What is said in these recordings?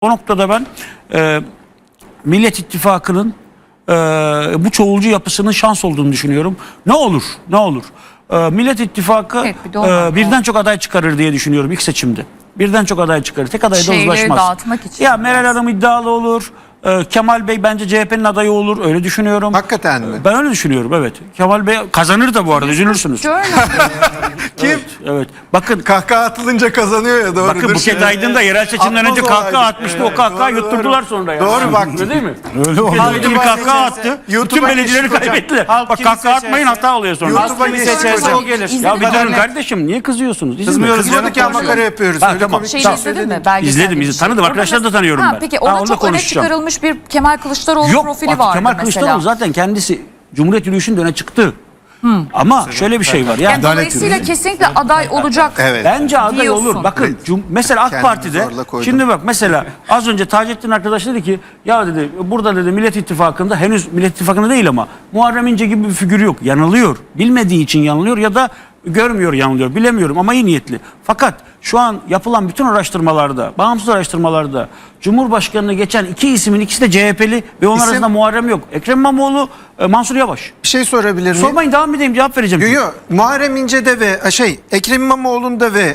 O noktada ben Millet İttifakı'nın bu çoğulcu yapısının şans olduğunu düşünüyorum. Ne olur, ne olur. Millet İttifakı Evet, birden çok aday çıkarır diye düşünüyorum ilk seçimde. Birden çok aday çıkarır. Tek adayda Şeyleri uzlaşmaz. dağıtmak için Ya Meral Hanım iddialı olur. Kemal Bey bence CHP'nin adayı olur. Öyle düşünüyorum. Hakikaten mi? Ben öyle düşünüyorum, evet. Kemal Bey kazanır da bu arada, üzülürsünüz. Kim? Evet. Bakın Kahkaha atılınca kazanıyor ya, doğrudur. Bakın Buket Aydın da yerel seçimden önce kahkaha atmıştı. O kahkaha yutturdular sonra ya. Doğru bak. Öyle değil mi? Öyle Buket Aydın bir kahkaha attı. Bütün YouTube'a belediyeleri geçtik hocam. kaybettiler. Halk Bak kimi kahkaha atmayın, seçerse- hata oluyor sonra. YouTube'a geçtik o gelir. Ya bir durun Kaderne- kardeşim, niye kızıyorsunuz? Kızmıyoruz İzledim. canım, ya makara yapıyoruz. Ha, Öyle tamam. komik Şeyi bir şey izledin söyledim. mi? Belgesel İzledim, gibi bir tanıdım. şey. Arkadaşları da tanıyorum ben. Peki Ha, orada onu da çok öne konuşacağım. çıkarılmış bir Kemal Kılıçdaroğlu Yok, profili vardı Kemal mesela. Kılıçdaroğlu zaten kendisi Cumhuriyet yürüyüşünde öne çıktı. Ama şöyle bir şey var. Yani dolayısıyla kesinlikle aday olacak. Evet. Bence aday diyorsun. olur. Bakın mesela AK Kendimi Parti'de zorla koydum. şimdi bak mesela az önce Taceddin arkadaş dedi ki ya dedi burada dedi Millet İttifakı'nda henüz Millet İttifakı'nda değil ama Muharrem İnce gibi bir figür yok. Yanılıyor. Bilmediği için yanılıyor ya da görmüyor, yanılıyor. Bilemiyorum ama iyi niyetli. Fakat şu an yapılan bütün araştırmalarda, bağımsız araştırmalarda Cumhurbaşkanı'nı geçen iki ismin ikisi de CHP'li ve onlar İsim? arasında Muharrem yok. Ekrem İmamoğlu, Mansur Yavaş. Bir şey sorabilir miyim? Sormayın, devam edeyim, cevap vereceğim. Yo, yo. Muharrem İnce'de ve Ekrem İmamoğlu'nda ve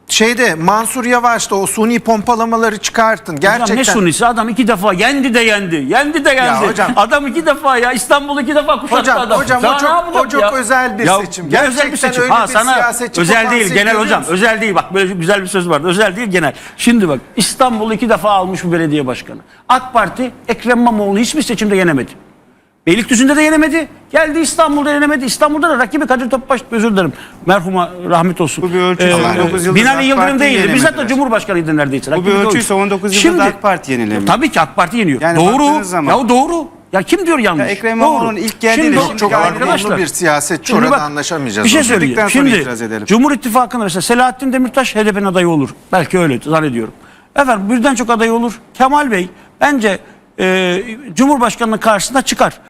Mansur Yavaş'ta o suni pompalamaları çıkartın. Gerçekten. Hocam ne sunisi, adam iki defa yendi de yendi. Yendi de yendi. hocam. Adam iki defa ya İstanbul'u iki defa kuşattı adam. Hocam Daha o ne çok, yapacak o çok ya? özel bir Ya, seçim. ne özel bir Gerçekten seçim. öyle Ha bir sana siyasetçi özel değil potansiyeli genel görüyor hocam. musun? Özel değil, bak böyle güzel bir söz vardı. Özel değil, genel. Şimdi bak İstanbul'u iki defa almış bu belediye başkanı. AK Parti Ekrem İmamoğlu'nu hiçbir seçimde yenemedi. Beylikdüzü'nde de yenemedi. Geldi İstanbul'da yenemedi. İstanbul'da da rakibi Kadir Topbaş, özür dilerim. Merhuma rahmet olsun. Bu bir ölçü. 19 yıldır Binali AK Yıldırım Parti değildi. Bizzat da yenemediler. Cumhurbaşkanıydı neredeyse. Bu bir Rakibi de oydu. ölçüyse 19 yıldır Şimdi, da AK Parti yenilemiyor. tabii ki AK Parti yeniyor. Yani Doğru. baktığınız zaman- Ya doğru. Ya kim diyor yanlış? Ya Ekrem İmamoğlu'nun Doğru. ilk geldiğinde Şimdi şimdi Çok arkadaşlar, argomlu bir siyasetçi, şimdi orada bak, anlaşamayacağız. bir şey onunla. söyleyeyim. Dedikten sonra Şimdi itiraz edelim. Cumhur İttifakı'nda mesela Selahattin Demirtaş HDP'nin adayı olur. Belki öyle zannediyorum. Efendim birden çok aday olur. Kemal Bey bence Cumhurbaşkanı'nın karşısına çıkar.